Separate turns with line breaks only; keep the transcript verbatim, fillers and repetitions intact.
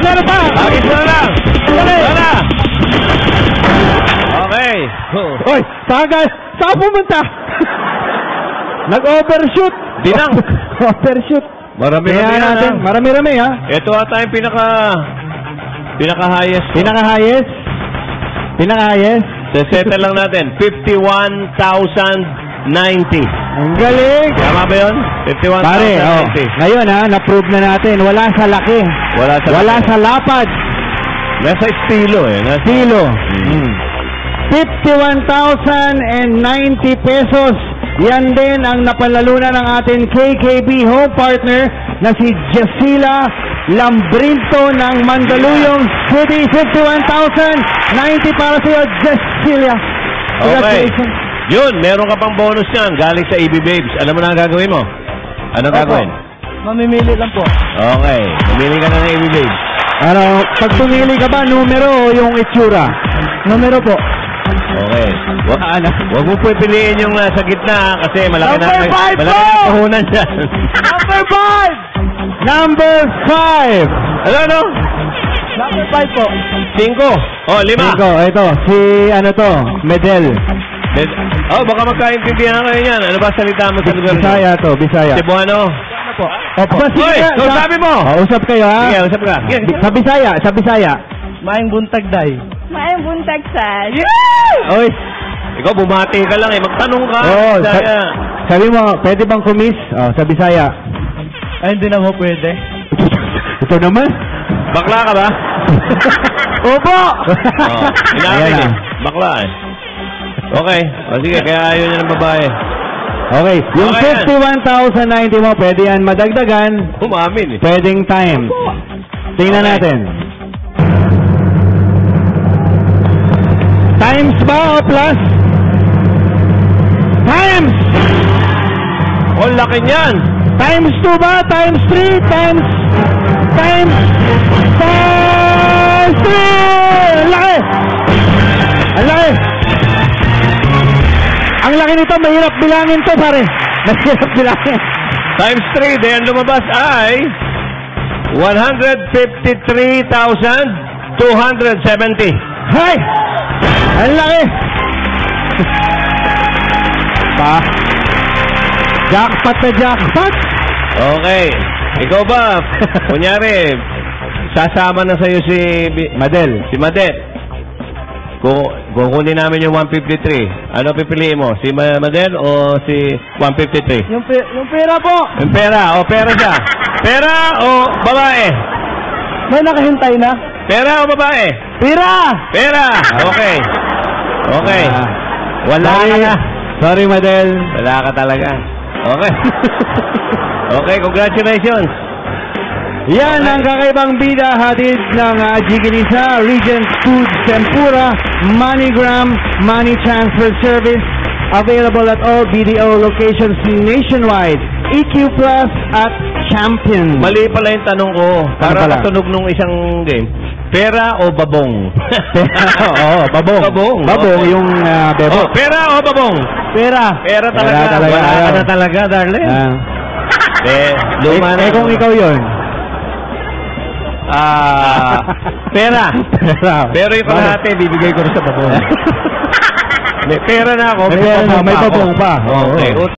meron pa.
Agis na lang. Wala. Okay.
Oy, tagal. Saan pumunta? Nag-overshoot.
Dinang.
Overshoot.
Marami-rami
Kaya natin,
na.
marami-rami ha.
Ito ata yung pinaka... Pinaka-highest.
Pinaka-highest. Pinaka-highest.
Seseta lang natin. fifty-one thousand ninety.
Ang galing.
Tama ba yun? fifty-one thousand ninety.
Pare, oh, ngayon ha, na-prove na natin. Wala sa laki.
Wala sa
Wala
laki.
sa lapad.
Nasa estilo eh. Nasa...
Estilo.
Mm.
fifty-one thousand ninety pesos. Yan din ang napalalunan ng ating K K B home partner na si Jasila Lambrinto ng Mandaluyong City. fifty-one thousand ninety para sa iyo, Jasila.
Okay. Yun, meron ka pang bonus yan galing sa E B Babes. Alam mo na ang gagawin mo? Anong
Opo.
gagawin?
Mamimili lang po.
Okay. Pumili ka na ng E B Babes.
Ano, pag pumili ka ba, numero o yung itsura? Numero po.
Okay. Wag,
Ano?
wag mo pipiliin yung nasa gitna kasi malaki na
Number five
malaki
po!
na puhunan dyan.
Number five! Number five!
Ano, ano?
Number five po.
Cinco. Oh, lima.
Cinco, ito. Si, ano to, Medel.
Med- Oh, baka magkaintindihan kayo yan. Ano ba salita mo sa lugar niyo?
Bisaya to, Bisaya.
Cebuano.
Opo. Opo.
Hoy, so sabi mo.
Oh, usap kayo ha.
Sige, usap ka. Sige, sige.
Sa Bisaya, sa Bisaya.
Maing buntag day.
Maayong buntag sa...
Oy.
Ikaw, bumati ka lang eh. Magtanong ka.
Oh,
Bisaya.
sa- sabi mo, pwede bang kumis? Oh, sa Bisaya.
Ay, hindi na mo pwede.
Ito naman.
Bakla ka ba?
Opo!
Oh, inamin
Ayan
eh.
na.
Bakla eh. Okay. O sige, kaya ayaw niya ng babae.
Okay, yung
Okay yan.
fifty-one thousand ninety mo, pwede yan madagdagan,
Umamin eh.
pwedeng time. Tingnan
Okay.
natin. Times ba o plus? Times!
Oh, laki niyan.
Times two ba? Times three? Times... Times... Times three! Ang laki! Ang laki! Ang laki nito, mahirap bilangin to, pare. Mahirap bilangin.
Times three, then lumabas ay one hundred fifty-three thousand two hundred seventy.
Hay! Ang laki! Pa? Jackpot na jackpot!
Okay. Ikaw ba? Kunyari, sasama na sa'yo si Bi-
Madel.
si Madel. Kung kukunin namin yung one fifty-three, ano pipiliin mo? Si Ma- Madel o si one fifty-three?
Yung, pe yung pera po.
Yung pera. O pera siya. Pera o babae?
May nakahintay na.
Pera o babae?
Pera!
Pera. Okay. Okay.
Ah,
Wala
sorry,
ka na.
sorry, Madel.
Wala ka talaga. Okay. Okay, congratulations.
Yan ang kakaibang bida hatid ng uh, Jiginisa, Regent Foods Tempura, MoneyGram, Money Transfer Service. Available at all B D O locations nationwide. E Q Plus at Champion.
Mali pala yung tanong ko. Para
pala?
katunog nung isang game. Pera o babong?
Oo, babong.
Babong.
Babong,
Okay.
yung uh, bebo.
Oh, pera o babong?
Pera.
Pera talaga.
Pera talaga.
Wala ka
Ayaw.
na talaga, darling.
Ah.
eh,
Eh,
luma na.
eh, kung ikaw yun.
Ah, pera.
Pera.
Pero yung kalahati, bibigay ko rin sa babong. May pera na ako.
May pera na, may
pa ako.
babong pa. Oo.
Okay.